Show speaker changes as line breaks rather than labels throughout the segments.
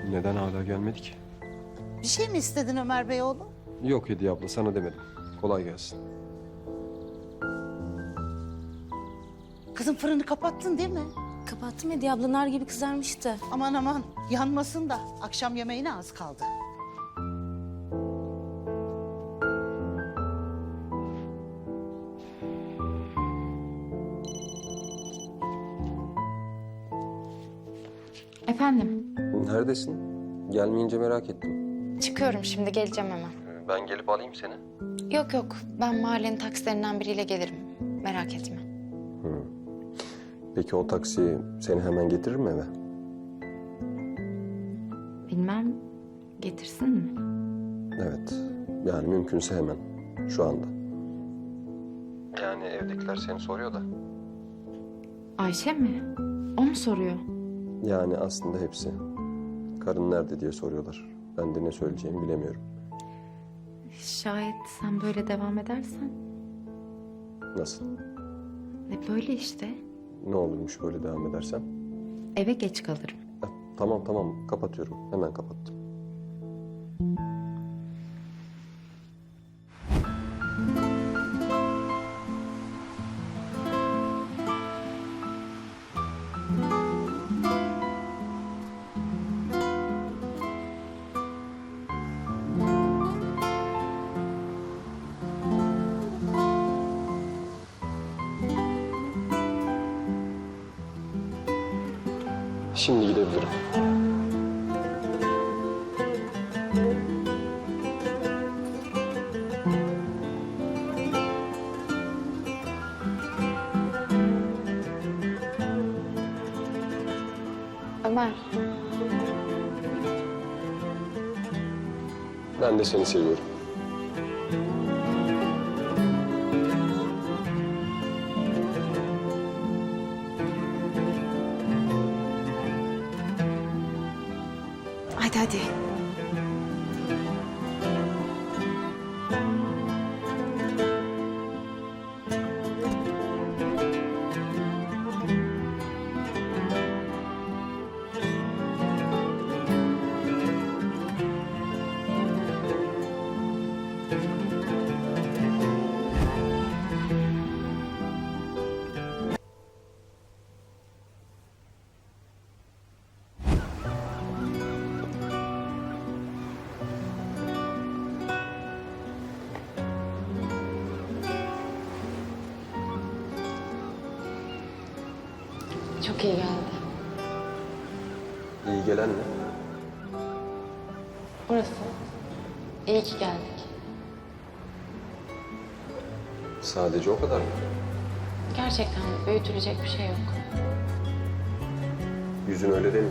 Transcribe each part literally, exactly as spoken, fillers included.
Neden hala gelmedi ki?
Bir şey mi istedin Ömer Bey oğlum?
Yok Hediye abla, sana demedim. Kolay gelsin.
Kızım fırını kapattın değil mi?
Kapattım Hediye abla, nar gibi kızarmıştı.
Aman aman yanmasın da akşam yemeğine az kaldı.
Efendim,
Neredesin? Gelmeyince merak ettim.
çıkıyorum şimdi, geleceğim hemen.
Ben gelip alayım seni.
Yok yok, ben mahallenin taksilerinden biriyle gelirim. Merak etme.
Peki o taksi seni hemen getirir mi eve?
Bilmem, getirsin mi?
Evet. Yani mümkünse hemen. Şu anda. Yani evdekiler seni soruyor da.
Ayşe mi? O mu soruyor?
Yani aslında hepsi. Karın nerede diye soruyorlar. Ben de ne söyleyeceğimi bilemiyorum.
Şayet sen böyle devam edersen.
Nasıl?
E böyle işte.
Ne olurmuş böyle devam edersem?
Eve geç kalırım.
Ha, tamam tamam, kapatıyorum. Hemen kapattım. Şimdi gidebilirim.
Ömer,
Ben de seni seviyorum.
hadi hadi. Çok iyi geldi.
İyi gelen ne?
Burası. İyi ki geldik.
Sadece o kadar mı?
Gerçekten büyütülecek bir şey yok.
Yüzün öyle değil mi?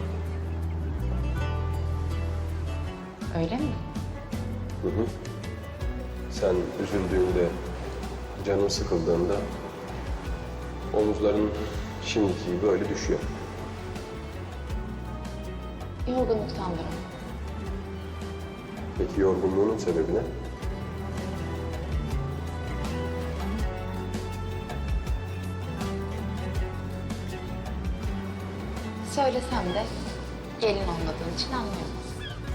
Öyle mi?
Hı hı. Sen üzüldüğünde, canın sıkıldığında omuzların şimdiki gibi böyle düşüyor.
Yorgunluktandır o.
Peki yorgunluğunun sebebi ne?
Söylesem de gelin olmadığın için anlayamaz.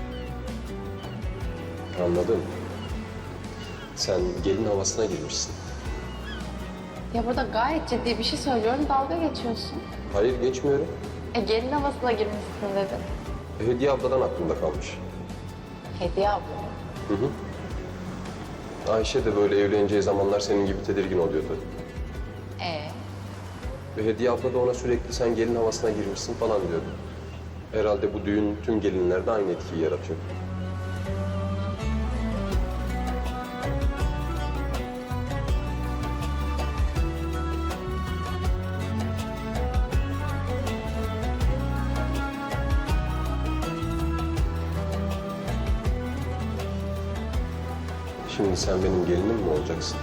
Anladım. Sen gelin havasına girmişsin.
Ya burada gayet ciddi bir şey söylüyorum, dalga geçiyorsun.
Hayır, geçmiyorum.
E gelin havasına girmişsin dedin.
Hediye abladan aklımda kalmış.
Hediye abla.
Hı hı. Ayşe de böyle evleneceği zamanlar senin gibi tedirgin oluyordu.
Ee,
Ve Hediye abla da ona sürekli sen gelin havasına girmişsin falan diyordu. Herhalde bu düğün tüm gelinlerde aynı etkiyi yaratıyor. Şimdi sen benim gelinim mi olacaksın?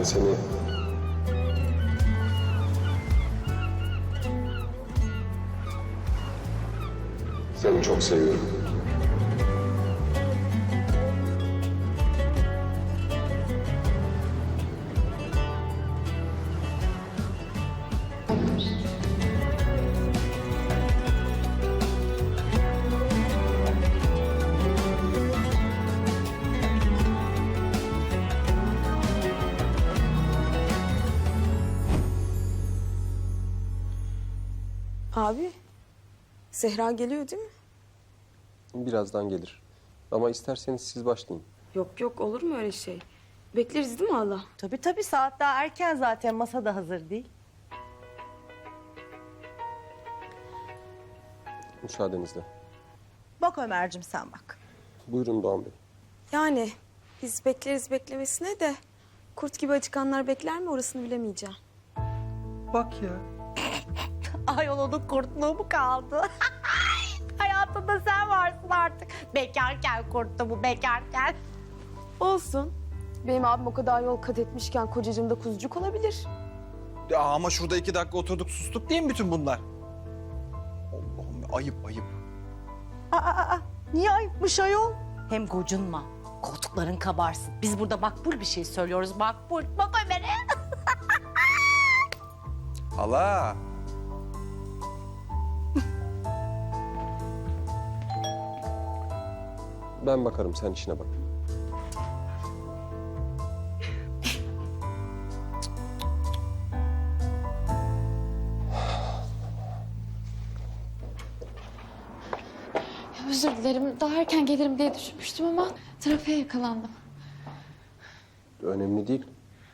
seni... Seni çok seviyorum.
Abi, Zehra geliyor değil mi?
Birazdan gelir. Ama isterseniz siz başlayın.
Yok yok, olur mu öyle şey? Bekleriz değil mi Allah?
Tabii tabii, saat daha erken zaten, masa da hazır değil.
Müsaadenizle.
Bak Ömer'cim, sen bak.
Buyurun Doğan Bey.
Yani biz bekleriz beklemesine de kurt gibi acıkanlar bekler mi orasını bilemeyeceğim.
Bak ya.
Ayol, onun kurtluğu mu kaldı? Hayatında sen varsın artık. Bekarken kurttu bu, bekarken.
Olsun. Benim abim o kadar yol kat etmişken kocacığım da kuzucuk olabilir.
Ya ama şurada iki dakika oturduk sustuk değil mi bütün bunlar? Allah'ım ya, ayıp ayıp.
Aa, aa, aa. Niye ayıpmış ayol? Hem gocunma. Koltukların kabarsın. Biz burada makbul bir şey söylüyoruz, makbul. Bak Ömer'e.
Hala.
Ben bakarım, sen işine bak.
Özür dilerim. Daha erken gelirim diye düşünmüştüm ama trafiğe yakalandım.
Önemli değil.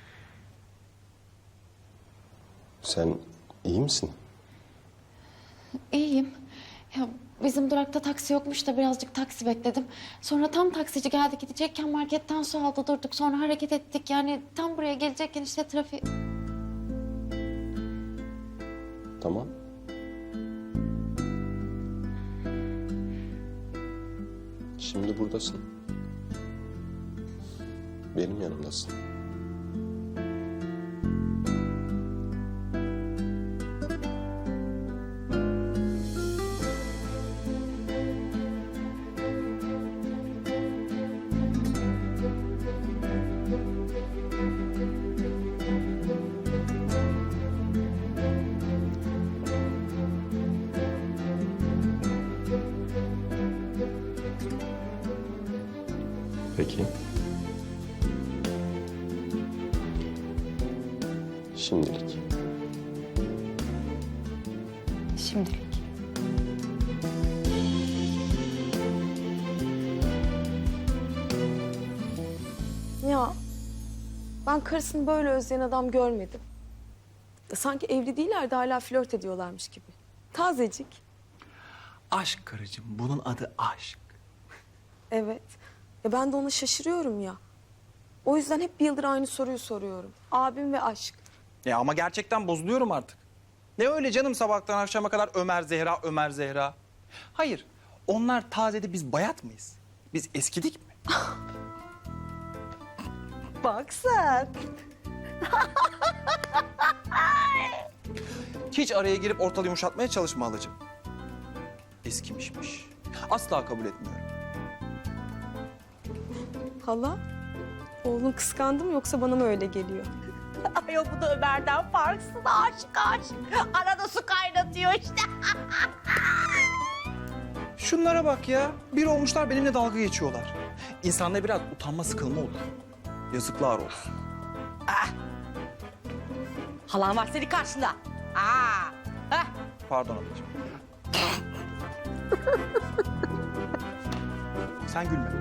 Sen iyi misin?
İyiyim. Ya bizim durakta taksi yokmuş da birazcık taksi bekledim. Sonra tam taksici geldi, gidecekken marketten su aldı, durduk. Sonra hareket ettik. Yani tam buraya gelecekken işte trafik...
Tamam. Şimdi buradasın. Benim yanımdasın. Peki. Şimdilik.
Şimdilik.
Ya ben karısını böyle özleyen adam görmedim. Sanki evli değiller de hala flört ediyorlarmış gibi. Tazecik.
Aşk karıcığım, bunun adı aşk.
Evet. Ya ben de ona şaşırıyorum ya. O yüzden hep bir yıldır aynı soruyu soruyorum. Abim ve aşk.
Ya ama gerçekten bozuluyorum artık. Ne öyle canım sabahtan akşama kadar Ömer Zehra, Ömer Zehra. Hayır, onlar tazede, biz bayat mıyız? Biz eskidik mi?
Bak sen.
Hiç araya girip ortalığı yumuşatmaya çalışma halacığım. Eskimişmiş. Asla kabul etmiyorum.
Hala? Oğlum kıskandı mı yoksa bana mı öyle geliyor?
Ayol, bu da Ömer'den farksız. Aşık aşık. Arada su kaynatıyor işte.
Şunlara bak ya. Bir olmuşlar benimle dalga geçiyorlar. İnsanda biraz utanma, sıkılma olur. Yazıklar olsun.
Halan var senin karşında. Aa. Heh.
Pardon ablacığım. Sen gülme.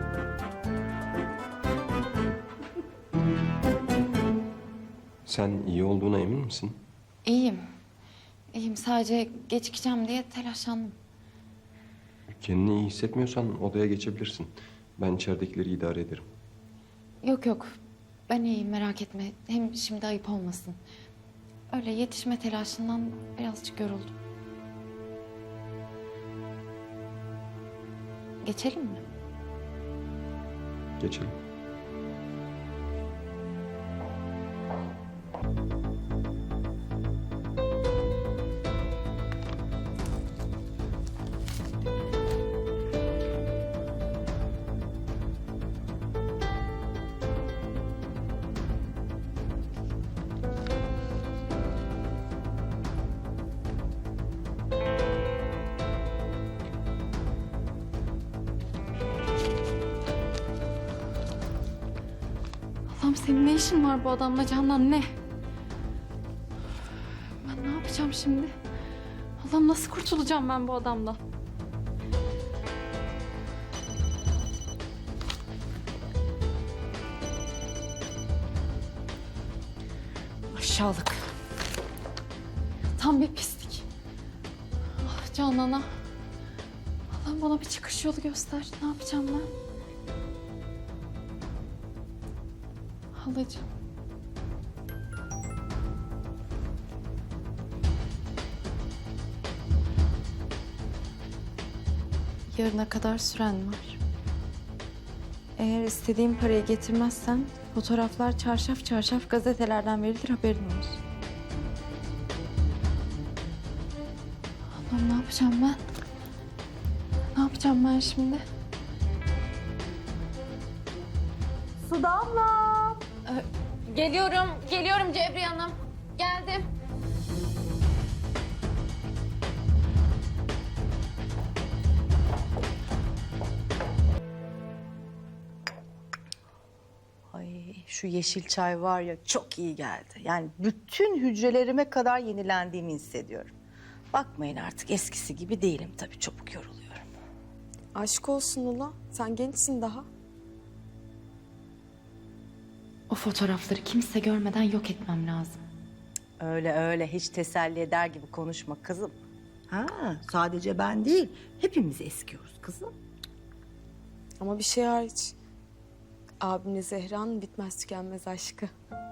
Sen iyi olduğuna emin misin?
İyiyim. İyiyim. Sadece gecikeceğim diye telaşlandım.
Kendini iyi hissetmiyorsan odaya geçebilirsin. Ben içeridekileri idare ederim.
Yok yok. Ben iyiyim, merak etme. Hem şimdi ayıp olmasın. Öyle yetişme telaşından birazcık yoruldum. Geçelim mi?
Geçelim.
senin ne işin var bu adamla Candan, ne? Ben ne yapacağım şimdi? Allah'ım, nasıl kurtulacağım ben bu adamdan?
Aşağılık.
Tam bir pislik. Ah Canan'a. Allah'ım, bana bir çıkış yolu göster. Ne yapacağım ben? Halacığım. Yarına kadar süren var. Eğer istediğim parayı getirmezsen fotoğraflar çarşaf çarşaf gazetelerden verilir, haberin olsun. Allah'ım, ne yapacağım ben? Ne yapacağım ben şimdi?
Su Damla.
Geliyorum, geliyorum Cebriye Hanım. Geldim.
Ay şu yeşil çay var ya çok iyi geldi. Yani bütün hücrelerime kadar yenilendiğimi hissediyorum. Bakmayın artık eskisi gibi değilim tabii, çabuk yoruluyorum.
Aşk olsun ula. Sen gençsin daha.
O fotoğrafları kimse görmeden yok etmem lazım.
Öyle öyle hiç teselli eder gibi konuşma kızım. Ha, sadece ben değil hepimiz eskiyoruz kızım.
Ama bir şey hariç. Abimle Zehra'nın bitmez tükenmez aşkı.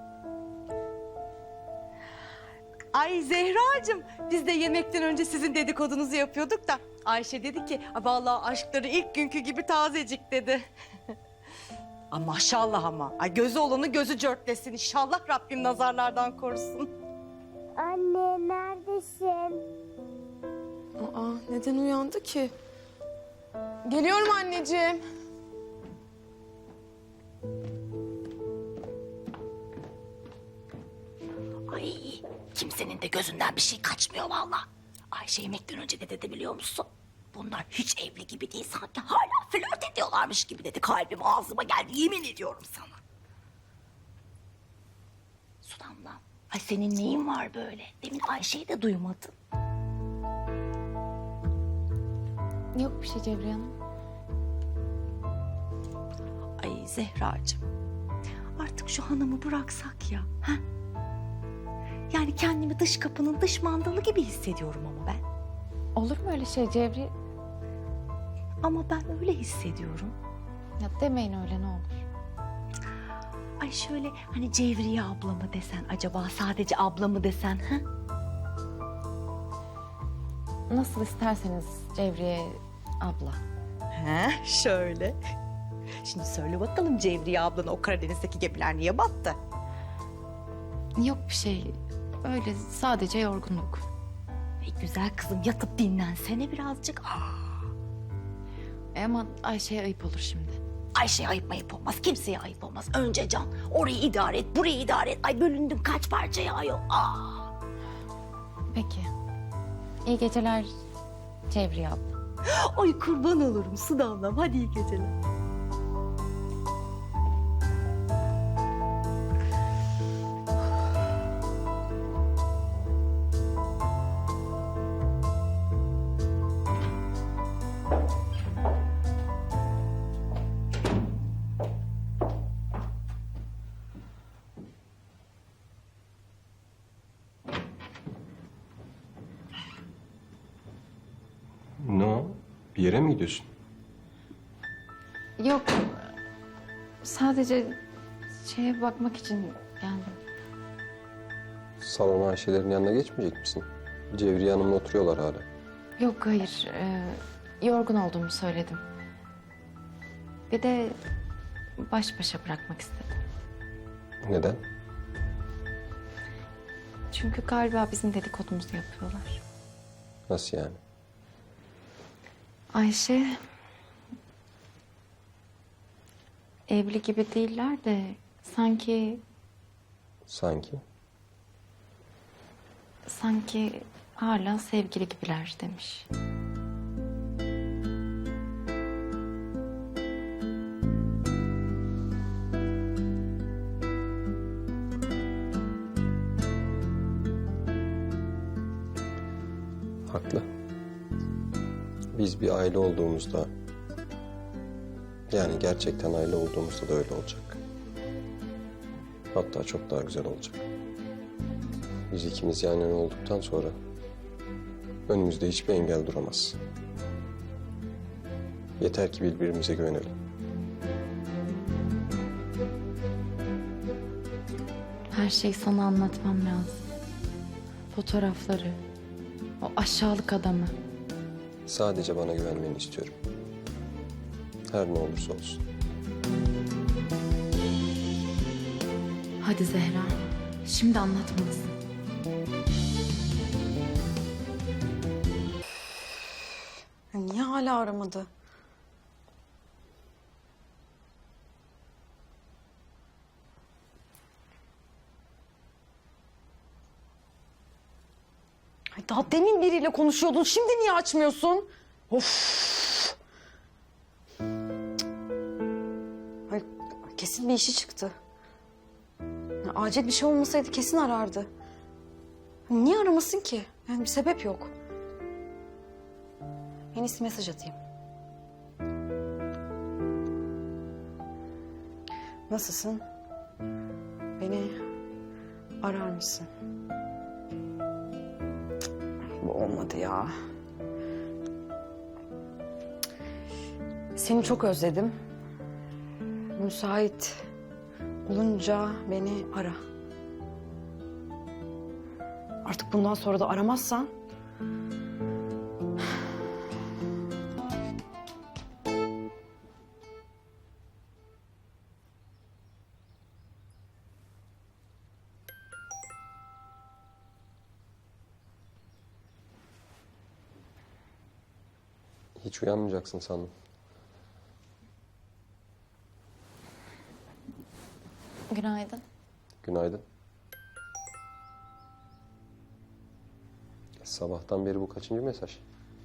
Ay Zehracığım, biz de yemekten önce sizin dedikodunuzu yapıyorduk da Ayşe dedi ki vallahi aşkları ilk günkü gibi tazecik dedi. Ay maşallah ama. Ay gözü olanı gözü cörtlesin. İnşallah Rabbim nazarlardan korusun.
Anne neredesin?
Aa, neden uyandı ki? Geliyorum anneciğim.
Ay kimsenin de gözünden bir şey kaçmıyor vallahi. Ayşe yemekten önce ne dedi biliyor musun? Bunlar hiç evli gibi değil, sanki hala flört ediyorlarmış gibi dedi. Kalbim ağzıma geldi, yemin ediyorum sana. Su Damla, ay senin neyin var böyle? Demin Ayşe'yi de duymadın.
Yok bir şey Cebriye Hanım.
Ay Zehracığım, artık şu hanımı bıraksak ya. Ha? Yani kendimi dış kapının dış mandalı gibi hissediyorum ama ben.
Olur mu öyle şey Cevriye?
Ama ben öyle hissediyorum.
Ya demeyin öyle, ne olur.
Ay şöyle hani Cevriye abla mı desen acaba, sadece abla mı desen ha?
Nasıl isterseniz Cevriye abla.
He şöyle. Şimdi söyle bakalım Cevriye ablana o Karadeniz'deki gemiler niye battı?
Yok bir şey. Öyle sadece yorgunluk.
Ey güzel kızım, yatıp dinlensene birazcık. Aa,
E ama Ayşe'ye ayıp olur şimdi.
Ayşe'ye ayıp ayıp olmaz, kimseye ayıp olmaz. Önce Can, orayı idare et, burayı idare et. Ay bölündüm kaç parçaya ayol. Aa.
Peki. İyi geceler Cevriye abla.
Ay kurban olurum Su Damlam, hadi iyi geceler.
Ne o? Bir yere mi gidiyorsun?
Yok. Sadece şeye bakmak için geldim.
Salona Ayşe'lerin yanına geçmeyecek misin? Cevriye Hanım'la oturuyorlar hala.
Yok hayır. Ee, yorgun olduğumu söyledim. Bir de baş başa bırakmak istedim.
Neden?
Çünkü galiba bizim dedikodumuzu yapıyorlar.
Nasıl yani?
Ayşe evli gibi değiller de sanki
Sanki.
sanki hala sevgili gibiler demiş.
Haklı. Biz bir aile olduğumuzda, yani gerçekten aile olduğumuzda da öyle olacak. Hatta çok daha güzel olacak. Biz ikimiz yan yana olduktan sonra önümüzde hiçbir engel duramaz. Yeter ki birbirimize güvenelim.
Her şeyi sana anlatmam lazım. Fotoğrafları, o aşağılık adamı.
Sadece bana güvenmeni istiyorum. Her ne olursa olsun.
Hadi Zehra, şimdi anlatmalısın.
Ya niye hala aramadı? Ay daha demin biriyle konuşuyordun. Şimdi niye açmıyorsun? Of. Ay, kesin bir işi çıktı. Ya, acil bir şey olmasaydı kesin arardı. Niye aramasın ki? Yani bir sebep yok. En iyisi mesaj atayım. Nasılsın? Beni arar mısın? Bu olmadı ya. Seni çok özledim. Müsait olunca beni ara. Artık bundan sonra da aramazsan
Hiç uyanmayacaksın sandım.
Günaydın.
Günaydın. Sabahtan beri bu kaçıncı mesaj?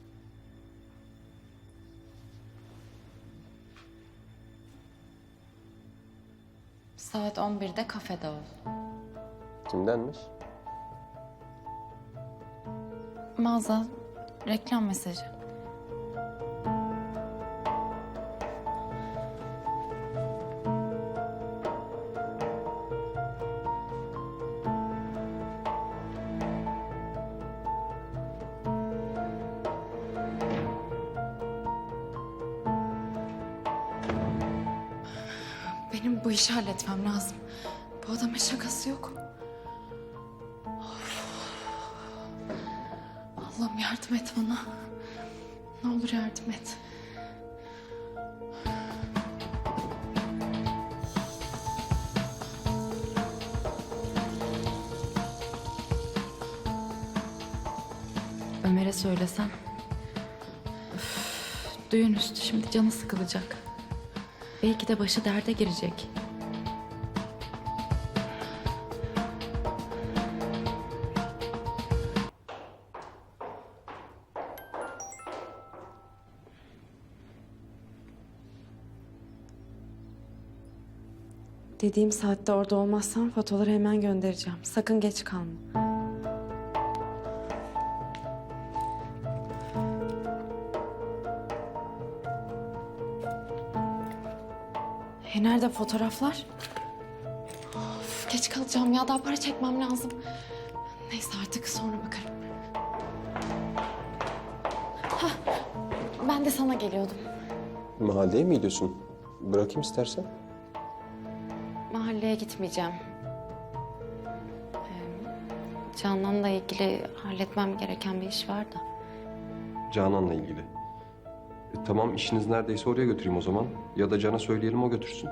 Saat on birde kafede ol.
Kimdenmiş?
Mağaza, reklam mesajı. Benim bu işi halletmem lazım. Bu adamın şakası yok. Of. Allah'ım yardım et bana. Ne olur yardım et. Ömer'e söylesem. Üf, düğün üstü şimdi canı sıkılacak. Belki de başı derde girecek.
dediğim saatte orada olmazsan fotoğrafları hemen göndereceğim. Sakın geç kalma. E nerede fotoğraflar?
Of, geç kalacağım ya. Daha para çekmem lazım. Neyse artık sonra bakarım. Hah, ben de sana geliyordum.
Mahalleye mi gidiyorsun? Bırakayım istersen.
Mahalleye gitmeyeceğim. Ee, Canan'la ilgili halletmem gereken bir iş var da.
Canan'la ilgili. E, tamam işiniz neredeyse oraya götüreyim o zaman. Ya da Can'a söyleyelim o götürsün.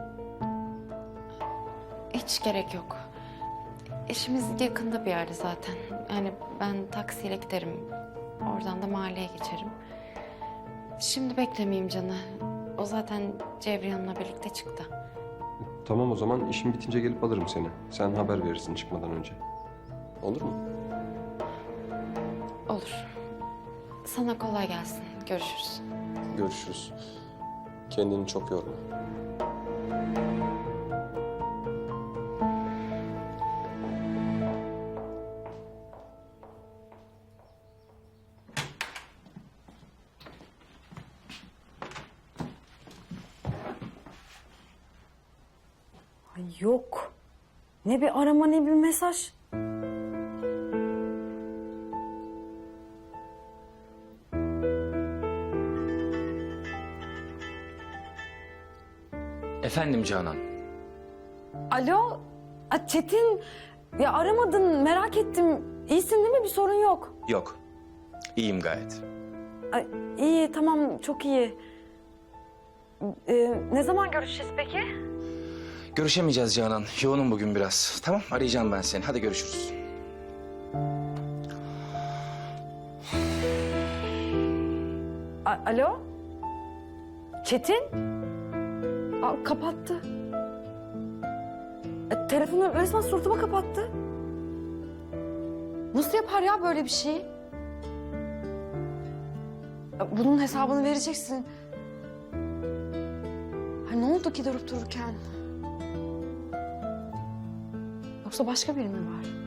Hiç gerek yok. İşimiz yakında bir yerde zaten. Yani ben taksiyle giderim. Oradan da mahalleye geçerim. Şimdi beklemeyeyim Can'ı. O zaten Cevriyan'la birlikte çıktı.
Tamam o zaman işin bitince gelip alırım seni. Sen haber verirsin çıkmadan önce. Olur mu?
Olur. Sana kolay gelsin. Görüşürüz.
Görüşürüz. Kendini çok yorma.
Yok. Ne bir arama ne bir mesaj.
Efendim Canan.
Alo. A, Çetin. Ya aramadın merak ettim. İyisin değil mi? Bir sorun yok.
Yok. İyiyim gayet.
Ay, iyi tamam çok iyi. Ee, ne zaman görüşeceğiz peki?
Görüşemeyeceğiz Canan. Yoğunum bugün biraz. Tamam, arayacağım ben seni. Hadi görüşürüz.
A- Alo? Çetin? Aa, kapattı. E, telefonu resmen suratıma kapattı. Nasıl yapar ya böyle bir şeyi? Ya, bunun hesabını vereceksin. Ha, ne oldu ki durup dururken? Yoksa başka biri mi var?